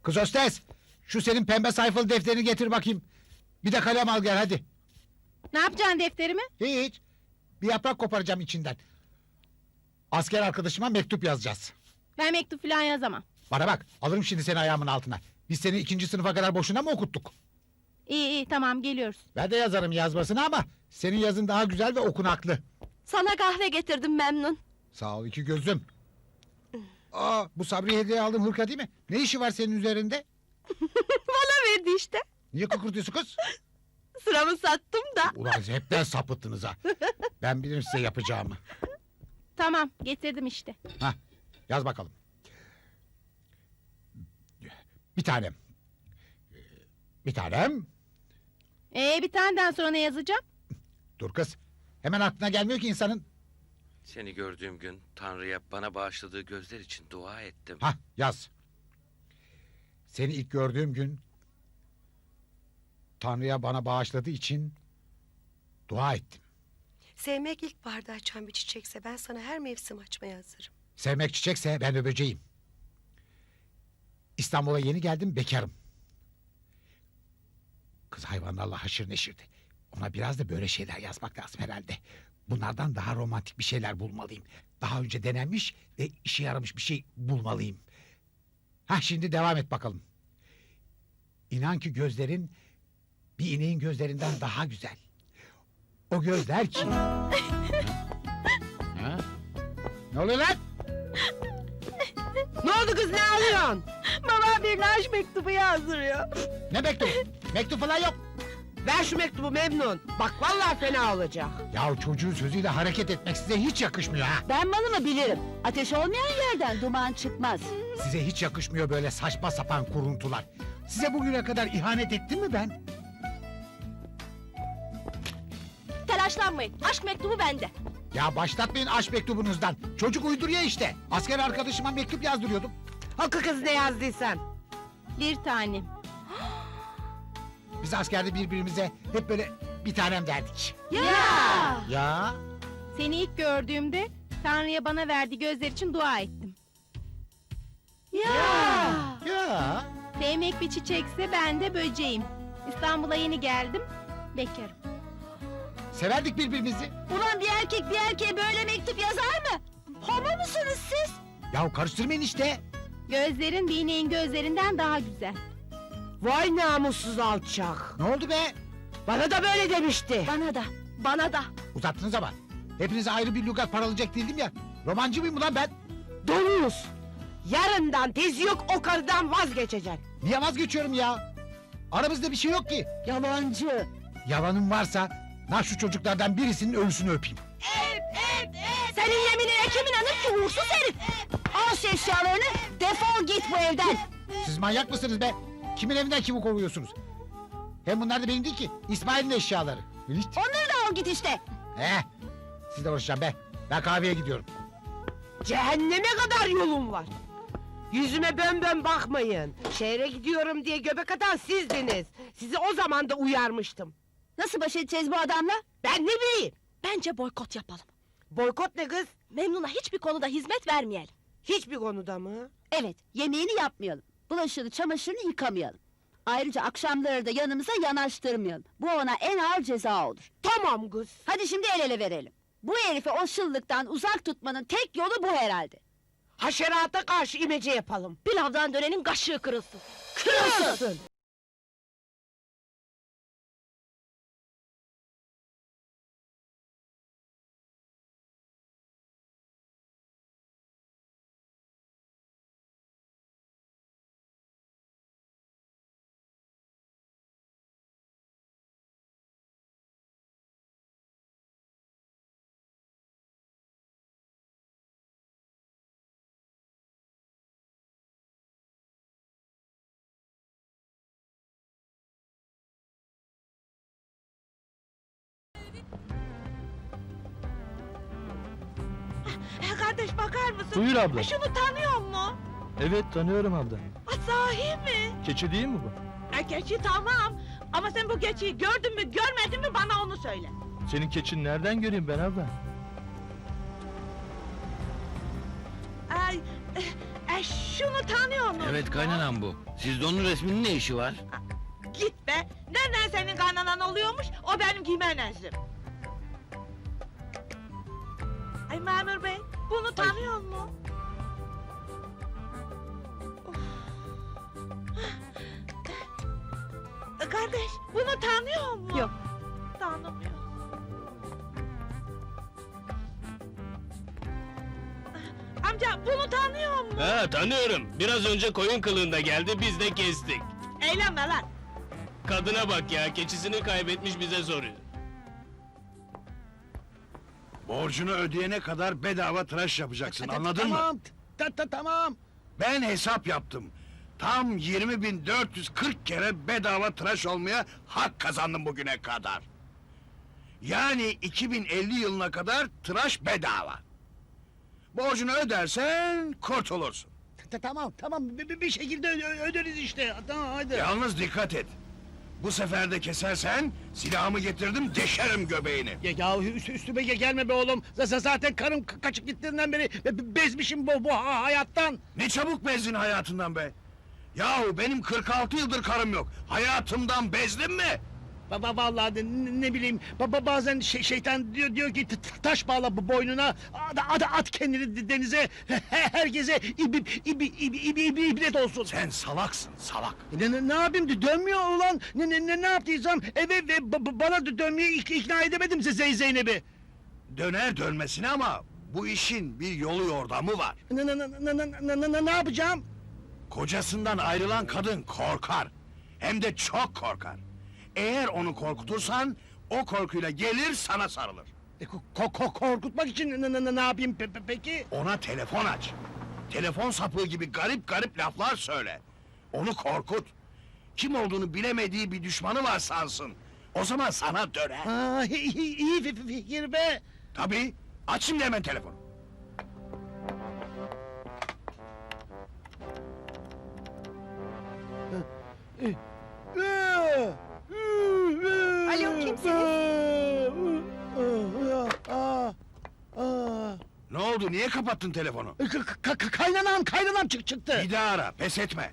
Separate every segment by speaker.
Speaker 1: Kız hostes, şu senin pembe sayfalı defterini getir bakayım. Bir de kalem al gel hadi.
Speaker 2: Ne yapacaksın defterimi?
Speaker 1: Hiç. Bir yaprak koparacağım içinden. Asker arkadaşıma mektup yazacağız.
Speaker 2: Ben mektup falan yazamam.
Speaker 1: Bana bak, alırım şimdi seni ayağımın altına. Biz seni 2. sınıfa kadar boşuna mı okuttuk?
Speaker 2: İyi tamam geliyoruz.
Speaker 1: Ben de yazarım yazmasını ama senin yazın daha güzel ve okunaklı.
Speaker 3: Sana kahve getirdim Memnun.
Speaker 1: Sağ ol iki gözüm. Aa, bu Sabri'ye hediye aldığım hırka değil mi? Ne işi var senin üzerinde?
Speaker 3: Bana verdi işte.
Speaker 1: Niye kıkırtıyorsun kız?
Speaker 3: Sıramı sattım da.
Speaker 1: Ulan hepten sapıttınız ha. Ben bilirim size yapacağımı.
Speaker 2: Tamam getirdim işte.
Speaker 1: Hah, yaz bakalım. Bir tanem. Bir tanem.
Speaker 2: Bir taneden sonra ne yazacağım?
Speaker 1: Dur kız. Hemen aklına gelmiyor ki insanın.
Speaker 4: Seni gördüğüm gün Tanrı'ya bana bağışladığı gözler için dua ettim.
Speaker 1: Hah, yaz. Seni ilk gördüğüm gün Tanrı'ya bana bağışladığı için dua ettim.
Speaker 5: Sevmek ilkbaharda açan bir çiçekse ben sana her mevsim açmaya hazırım.
Speaker 1: Sevmek çiçekse ben de böceğim. İstanbul'a yeni geldim, bekarım. Kız hayvanlarla haşır neşirdi. Ona biraz da böyle şeyler yazmak lazım herhalde. Bunlardan daha romantik bir şeyler bulmalıyım. Daha önce denenmiş ve işe yaramış bir şey bulmalıyım. Hah, şimdi devam et bakalım. İnan ki gözlerin bir ineğin gözlerinden daha güzel. O gözler ki... Ha? Ne oluyor lan?
Speaker 3: Ne oldu kız, ne alıyorsun? Babam bir aşk mektubu yazdırıyor.
Speaker 1: Ne mektup? Mektup falan yok.
Speaker 3: Ver şu mektubu Memnun. Bak vallahi fena olacak.
Speaker 1: Ya çocuğun sözüyle hareket etmek size hiç yakışmıyor ha.
Speaker 6: Ben malımı bilirim. Ateş olmayan yerden duman çıkmaz.
Speaker 1: Size hiç yakışmıyor böyle saçma sapan kuruntular. Size bugüne kadar ihanet ettim mi ben?
Speaker 3: Telaşlanmayın, aşk mektubu bende.
Speaker 1: Ya başlatmayın aşk mektubunuzdan. Çocuk uyduruyor işte. Asker arkadaşıma mektup yazdırıyordum.
Speaker 3: Hakkı kız, ne yazdıysan.
Speaker 2: Bir tanem.
Speaker 1: Biz askerde birbirimize hep böyle bir tanem derdik.
Speaker 2: Ya!
Speaker 1: Ya
Speaker 2: Seni ilk gördüğümde Tanrı'ya bana verdiği gözler için dua ettim.
Speaker 1: ya.
Speaker 2: Sevmek bir çiçekse ben de böceğim. İstanbul'a yeni geldim, bekarım.
Speaker 1: Severdik birbirimizi.
Speaker 6: Ulan bir erkek bir erkeğe böyle mektup yazar mı? Homo musunuz siz?
Speaker 1: Ya karıştırmayın işte.
Speaker 2: Gözlerin bir ineğin gözlerinden daha güzel.
Speaker 3: Vay namussuz alçak.
Speaker 1: Ne oldu be?
Speaker 3: Bana da böyle demişti.
Speaker 6: Bana da, bana da.
Speaker 1: Uzattınız ama. Hepinize ayrı bir lügat paralayacak değildim ya. Romancı mıyım ulan ben?
Speaker 3: Domuz. Yarından tezi yok, o karıdan vazgeçeceksin.
Speaker 1: Niye vazgeçiyorum ya? Aramızda bir şey yok ki.
Speaker 6: Yalancı.
Speaker 1: Yalanım varsa şu çocuklardan birisinin ölüsünü öpeyim.
Speaker 6: Senin yeminine kim inanır ki uğursuz herif? Al şu eşyalarını, defol git bu evden.
Speaker 1: Siz manyak mısınız be? Kimin evinden kimi kovuyorsunuz? Hem bunlar da benim değil ki. İsmail'in eşyaları. Hiç.
Speaker 6: Onları da al git işte.
Speaker 1: Sizle uğraşacağım be. Ben kahveye gidiyorum.
Speaker 3: Cehenneme kadar yolum var. Yüzüme bön bakmayın. Şehre gidiyorum diye göbek atan sizdiniz. Sizi o zaman da uyarmıştım.
Speaker 6: Nasıl baş edeceğiz bu adamla?
Speaker 3: Ben ne bileyim?
Speaker 7: Bence boykot yapalım.
Speaker 3: Boykot ne kız?
Speaker 7: Memnun'a hiçbir konuda hizmet vermeyelim.
Speaker 3: Hiçbir konuda mı?
Speaker 6: Evet, yemeğini yapmayalım. Bulaşığını, çamaşırını yıkamayalım. Ayrıca akşamları da yanımıza yanaştırmayalım. Bu ona en ağır ceza olur.
Speaker 3: Tamam kız.
Speaker 6: Hadi şimdi el ele verelim. Bu herifi o şıllıktan uzak tutmanın tek yolu bu herhalde.
Speaker 3: Haşerata karşı imece yapalım.
Speaker 7: Pilavdan dönenin kaşığı kırılsın.
Speaker 3: Kırılsın.
Speaker 7: Kardeş bakar mısın?
Speaker 8: Buyur abla.
Speaker 7: Şunu tanıyor mu?
Speaker 8: Evet tanıyorum abla.
Speaker 7: Sahi mi?
Speaker 8: Keçi değil mi bu?
Speaker 7: Keçi tamam. Ama sen bu keçiyi gördün mü görmedin mi bana onu söyle.
Speaker 8: Senin keçin nereden göreyim ben abla?
Speaker 7: Ay, Şunu tanıyor musun?
Speaker 4: Evet kaynanam bu. Sizde onun resminin ne işi var?
Speaker 7: Git be! Nereden senin kaynanan oluyormuş, o benim Gimenez'im. Ay memur bey, bunu tanıyor mu? Kardeş, bunu tanıyor mu?
Speaker 2: Yok.
Speaker 7: Tanımıyor. Amca, bunu tanıyor mu?
Speaker 9: Ha tanıyorum. Biraz önce koyun kılığında geldi, biz de kestik.
Speaker 7: Eğlenme lan!
Speaker 9: Kadına bak ya, keçisini kaybetmiş bize soruyor.
Speaker 10: Borcunu ödeyene kadar bedava tıraş yapacaksın, anladın mı?
Speaker 1: Tamam.
Speaker 10: Ben hesap yaptım. Tam 20.440 kere bedava tıraş olmaya hak kazandım bugüne kadar. Yani 2050 yılına kadar tıraş bedava. Borcunu ödersen kurtulursun.
Speaker 1: Tamam. Bir şekilde öderiz işte. Tamam hadi.
Speaker 10: Yalnız dikkat et. Bu sefer de kesersen silahımı getirdim deşerim göbeğini.
Speaker 1: Ya üstüme gelme be oğlum. Zaten karım kaçıp gittiğinden beri bezmişim bu hayattan.
Speaker 10: Ne çabuk bezdin hayatından be. Yahu benim 46 yıldır karım yok. Hayatımdan bezdin mi?
Speaker 1: Vallahi ne bileyim bazen şeytan diyor ki taş bağla bu boynuna at kendini denize herkese ibret olsun.
Speaker 10: Sen salaksın salak.
Speaker 1: Ne yapayım dönmüyor ulan ne yaptıysam eve ve bana dönmeye ikna edemedim Zeynep'i.
Speaker 10: Döner dönmesine ama bu işin bir yolu yordamı var.
Speaker 1: Ne yapacağım?
Speaker 10: Kocasından ayrılan kadın korkar. Hem de çok korkar. Eğer onu korkutursan o korkuyla gelir sana sarılır.
Speaker 1: Korkutmak için ne yapayım peki?
Speaker 10: Ona telefon aç. Telefon sapığı gibi garip laflar söyle. Onu korkut. Kim olduğunu bilemediği bir düşmanı var sansın. O zaman sana döner.
Speaker 1: İyi fikir be.
Speaker 10: Tabii. Aç şimdi hemen telefonu.
Speaker 5: Alo, kimsiniz?
Speaker 10: Ne oldu? Niye kapattın telefonu?
Speaker 1: Kaynanam çıktı.
Speaker 10: Bir daha ara. Pes etme.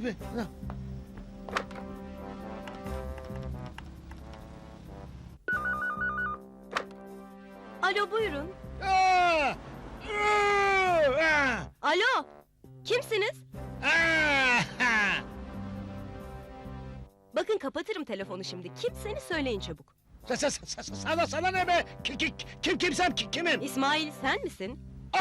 Speaker 5: Alo, buyurun. Alo, kimsiniz? Bakın kapatırım telefonu şimdi. Kimseniz söyleyin çabuk.
Speaker 1: Sana ne be? Kimsem kimim?
Speaker 5: İsmail, sen misin?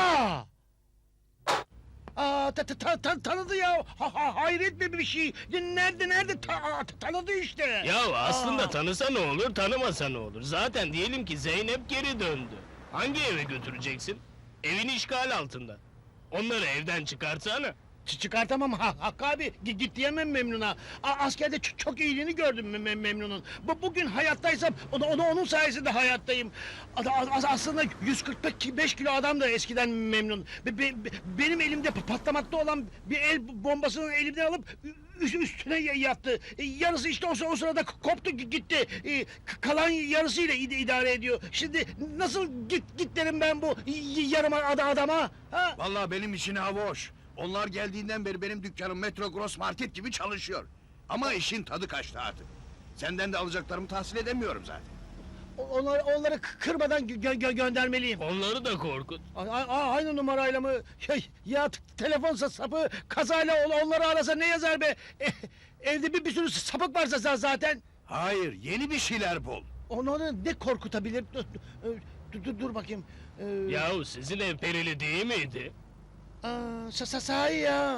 Speaker 1: Tanıdı ya. Hayret bir şey. Nerede tanıdı işte.
Speaker 9: Ya aslında tanısa ne olur, tanımasa ne olur? Zaten diyelim ki Zeynep geri döndü. Hangi eve götüreceksin? Evin işgal altında. Onları evden çıkartsana.
Speaker 1: Çıkartamam Hakkı abi. Git diyemem Memnun'a. Askerde çok iyiliğini gördüm Memnun'un. Bugün hayattaysam onun sayesinde hayattayım. Aslında 145 kilo adam da eskiden Memnun. Benim elimde patlamakta olan bir el bombasını elimden alıp üstüne yattı. Yarısı işte o sırada koptu gitti. Kalan yarısıyla idare ediyor. Şimdi nasıl git derim ben bu yarım adama? Ha?
Speaker 10: Vallahi benim için hava hoş. Onlar geldiğinden beri benim dükkanım Metro Gross Market gibi çalışıyor. Ama işin tadı kaçtı artık. Senden de alacaklarımı tahsil edemiyorum zaten.
Speaker 1: Onları kırmadan göndermeliyim.
Speaker 9: Onları da korkut.
Speaker 1: Aynı numarayla mı? Ya telefon sapı kazayla onları arasa ne yazar be? Evde bir sürü sapık varsa zaten.
Speaker 10: Hayır, yeni bir şeyler bul.
Speaker 1: Onları ne korkutabilir? Dur bakayım.
Speaker 9: Yahu sizin ev perili değil miydi?
Speaker 1: Sahi ya.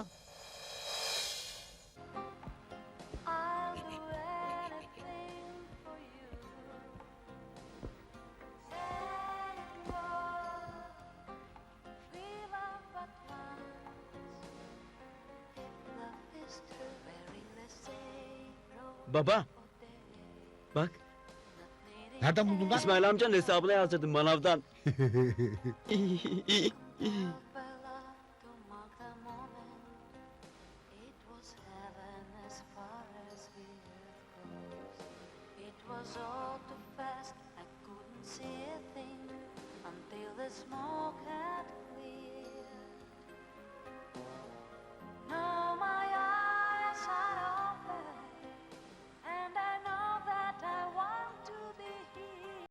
Speaker 8: Baba. Bak,
Speaker 1: Nereden buldun lan?
Speaker 8: İsmail amcanın hesabına yazdırdım manavdan.
Speaker 11: Was all too fast, I couldn't see a thing until the smoke